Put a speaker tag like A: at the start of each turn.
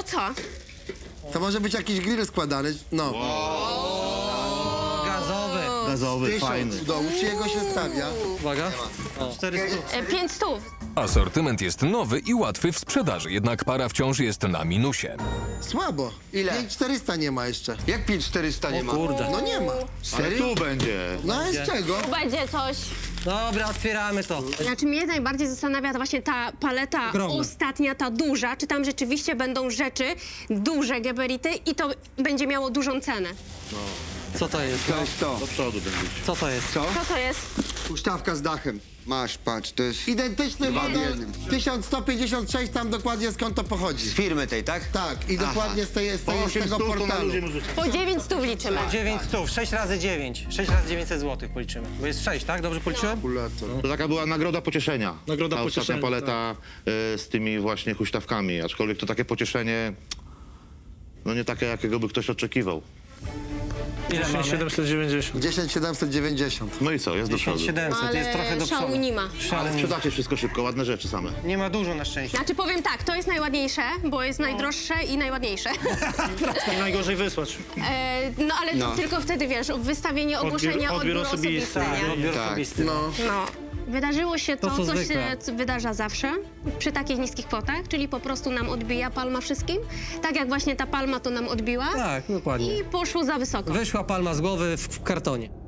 A: co?
B: To może być jakiś grill składany, no.
C: Gazowy.
D: Gazowy,
B: 1000
D: fajny.
B: do uczciego się stawia.
C: Uwaga. 400.
A: 500.
E: Asortyment jest nowy i łatwy w sprzedaży, jednak para wciąż jest na minusie.
B: Słabo.
F: Ile?
B: 5400 nie ma jeszcze.
F: Jak 5400 nie ma?
C: Kurde.
B: No nie ma.
D: Ale tu będzie.
B: No a z czego?
A: Będzie coś.
C: Dobra, otwieramy to.
A: Znaczy mnie najbardziej zastanawia to właśnie ta paleta
C: Ogromna.
A: ostatnia, ta duża. Czy tam rzeczywiście będą rzeczy, duże geberity i to będzie miało dużą cenę?
C: Co to jest?
F: To jest to.
D: Do przodu będzie.
C: Co to jest?
F: Co?
A: Co to jest?
F: Huśtawka z dachem. Masz, patrz, to jest
B: Identyczny
F: Dwa w
B: model
F: jednym.
B: 1156, tam dokładnie skąd to pochodzi.
F: z firmy tej, tak?
B: Tak, i dokładnie z
D: Po
B: tego
D: 800 to na
B: portalu.
D: luzie możecie.
A: Po 900 liczymy.
C: 900, 6 razy 9. 6 razy 900 zł policzymy. Bo jest 6, tak? Dobrze policzyłem?
D: To taka była nagroda pocieszenia.
G: Nagroda
D: ta
G: pocieszenia,
D: ostatnia paleta z tymi właśnie huśtawkami. Aczkolwiek to takie pocieszenie, no nie takie, jakiego by ktoś oczekiwał.
C: Ile mamy?
G: 790.
B: 10790.
D: No i co, jest do przodu.
C: 700, jest trochę
A: Ale
C: do przodu.
A: szału nie ma.
D: Ale sprzedacie wszystko szybko, ładne rzeczy same.
C: Nie ma dużo na szczęście.
A: Znaczy powiem tak, to jest najładniejsze, bo jest najdroższe i najładniejsze.
G: I najgorzej wysłać.
A: No ale
F: No.
A: tylko wtedy, wiesz, wystawienie ogłoszenia,
G: odbiór
A: odbiór osobisty, nie?
C: Odbiór
F: Tak.
C: osobisty.
B: No.
A: No. Wydarzyło się
C: To,
A: to,
C: co
A: co się
C: zwykle.
A: wydarza zawsze przy takich niskich kwotach, czyli po prostu nam odbija palma wszystkim. Tak jak właśnie ta palma to nam odbiła
C: Tak, dokładnie.
A: i poszło za wysoko.
C: Wyszła palma z głowy w kartonie.